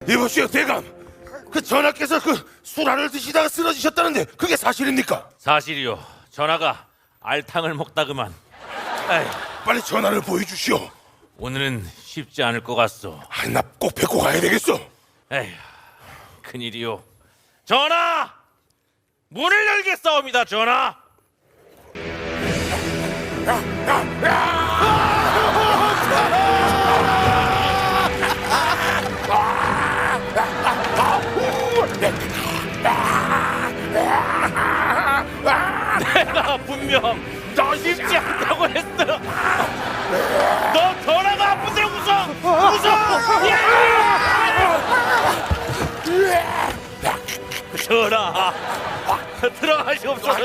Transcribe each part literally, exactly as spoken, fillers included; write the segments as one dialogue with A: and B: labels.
A: 이보시오 대감, 그 전하께서 그 술알을 드시다가 쓰러지셨다는데 그게 사실입니까?
B: 사실이요. 전하가 알탕을 먹다 그만. 에이,
A: 빨리 전하를 보여주시오.
B: 오늘은 쉽지 않을 것 같소.
A: 아, 나 꼭 뵙고 가야 되겠어.
B: 에휴, 큰일이요. 전하! 문을 열겠사옵니다, 전하! 내가 분명 너 쉽지 않다고 했어. 너 전화가 아픈데 웃어. 웃어. 전화 들어가시옵소서.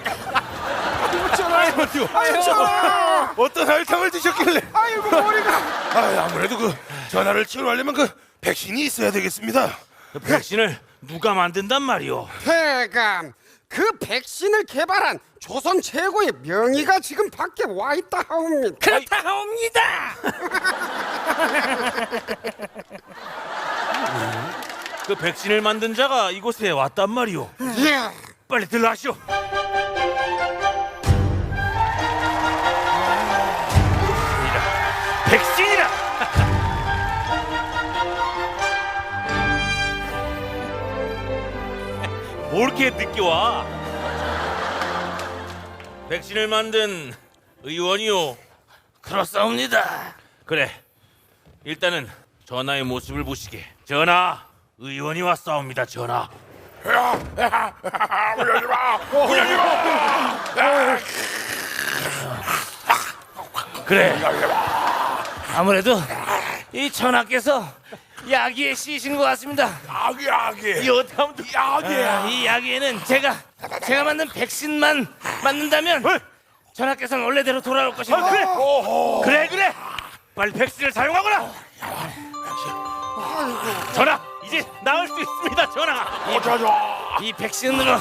A: 전하, 어떤 알탕을 드셨길래?
C: 아이고 머리가.
A: 아, 아무래도 그 전하를 치료하려면 그 백신이 있어야 되겠습니다.
B: 그 백신을 누가 만든단 말이오?
C: 대감, 그 백신을 개발한 조선 최고의 명의가 지금 밖에 와 있다 하옵니다.
B: 그렇다 하옵니다. 그 백신을 만든 자가 이곳에 왔단 말이오.
C: 예.
B: 빨리 들어가시오. 백신이라. 뭘 이렇게 늦게 와? 백신을 만든 의원이요.
A: 그렇사옵니다.
B: 그래, 일단은 전하의 모습을 보시게. 전하, 의원이 왔사옵니다. 전하. 그래, 아무래도 이 전하께서 야기에 씌신 것 같습니다.
A: 아기 아기.
B: 이 어떻게 하면 또-
A: 야기야.
B: 아, 이 야기에는 제가 제가 만든 백신만 맞는다면 전하께서는 원래대로 돌아올 것입니다. 그래, 그래, 그래. 빨리 백신을 사용하거라. 전하, 이제 나을 수 있습니다. 전하.
A: 어쩌죠?
B: 이 백신으로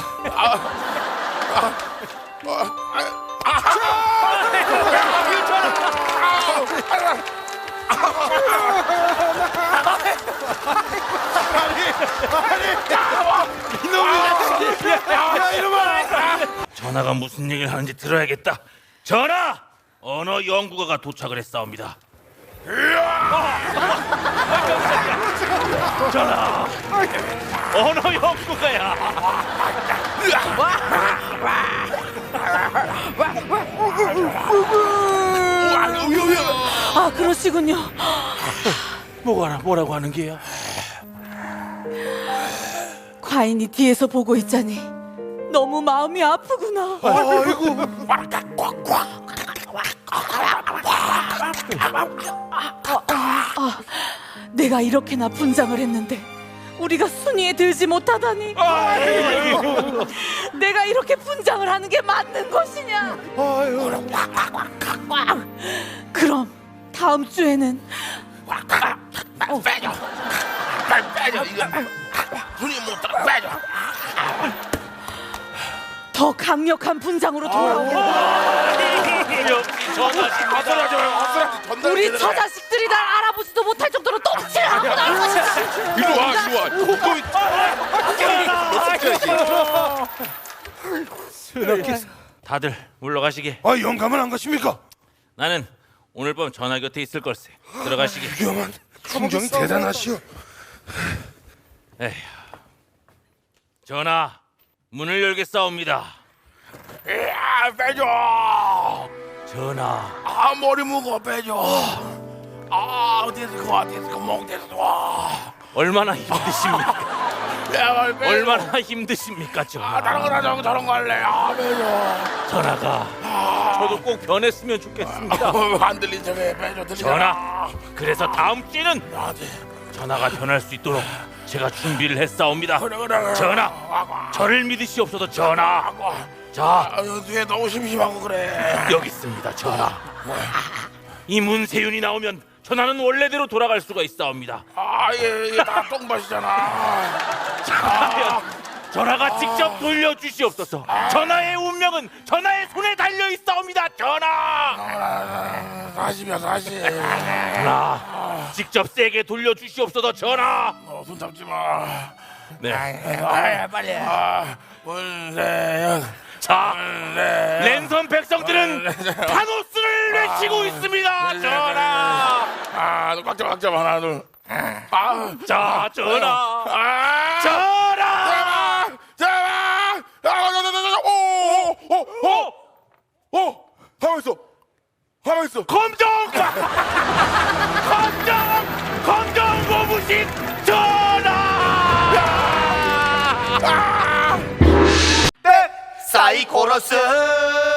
B: 전하가 무슨 얘기를 하는지 들어야겠다. 전하, 언어 연구가가 도착을 했사옵니다. 전하, 언어 연구가야.
D: 아, 그러시군요.
B: 뭐가 뭐라고 하는 게야?
D: 과인이 뒤에서 보고 있자니 너무 마음이 아프구나.
A: 아이고.
D: 아, 내가 이렇게나 분장을 했는데 우리가 순위에 들지 못하다니. 내가 이렇게 분장을 하는 게 맞는 것이냐? 그럼 다음 주에는
A: 빼줘. 빨리 빼줘. 이거 손이 못 들어. 빼줘.
D: 더 강력한 분장으로 돌아오겠다.
B: 역시 전하신
A: 어서라죠. 어서라죠. 전달.
D: 우리 처자식들이 날 알아보지도 못할 정도로 똥칠을 하고 날 것이다.
A: 이리 와, 이리 와.
B: 다들 물러가시게.
A: 아, 영감은 안 가십니까?
B: 나는 오늘 밤 전하 곁에 있을 걸세. 들어가시게.
A: 위험한 충정이 대단하시오.
B: 에휴. 전하, 문을 열겠사옵니다.
A: 야, 빼줘.
B: 전하,
A: 아, 머리 무거워. 빼줘. 아, 어디서 그 어디서 그 몽대서.
B: 얼마나 힘드십니까?
A: 야, 빨리 빼줘.
B: 얼마나 힘드십니까,
A: 아,
B: 전하?
A: 다른 거 하자고 저런 거 할래. 아, 빼줘.
B: 전하가 저도 꼭 변했으면 좋겠습니다.
A: 어, 안 들린 척해. 빼줘. 들리잖아.
B: 전하, 그래서 다음 주에는
A: 나한테.
B: 전하가 변할 수 있도록 제가 준비를 했사옵니다.
A: 그래, 그래, 그래.
B: 전하, 저를 믿으시옵소서. 전하. 자,
A: 아, 뒤에 너무 심심하고 그래.
B: 여기 있습니다. 전하. 이 문세윤이 나오면 전하는 원래대로 돌아갈 수가 있사옵니다.
A: 아, 이게, 이게 다 똥밭이잖아.
B: 과연 전하가 직접 돌려주시옵소서. 전하의 운명은 전하의 손에 달려 있사옵니다. 전하.
A: 다시야 다시.
B: 전하, 직접 세게 돌려주시옵소서. 전하.
A: 어, 손 잡지 마.
B: 네.
A: 아, 빨리. 아, 문세현.
B: 자,
A: 문세현.
B: 랜선 백성들은 타노스를 외치고 있습니다. 전하.
A: 아, 너꽉 잡아, 꽉 잡아. 하나, 둘. 아,
B: 자, 전하.
A: 아,
B: 전하.
A: 잡아, 잡아. 아, 자, 자, 자, 자. 오, 오, 오, 오, 오. 가만 있어. 가만 있어.
B: 검정. 검정. 검정 고무신 전하.
A: 아!
E: 사이코러스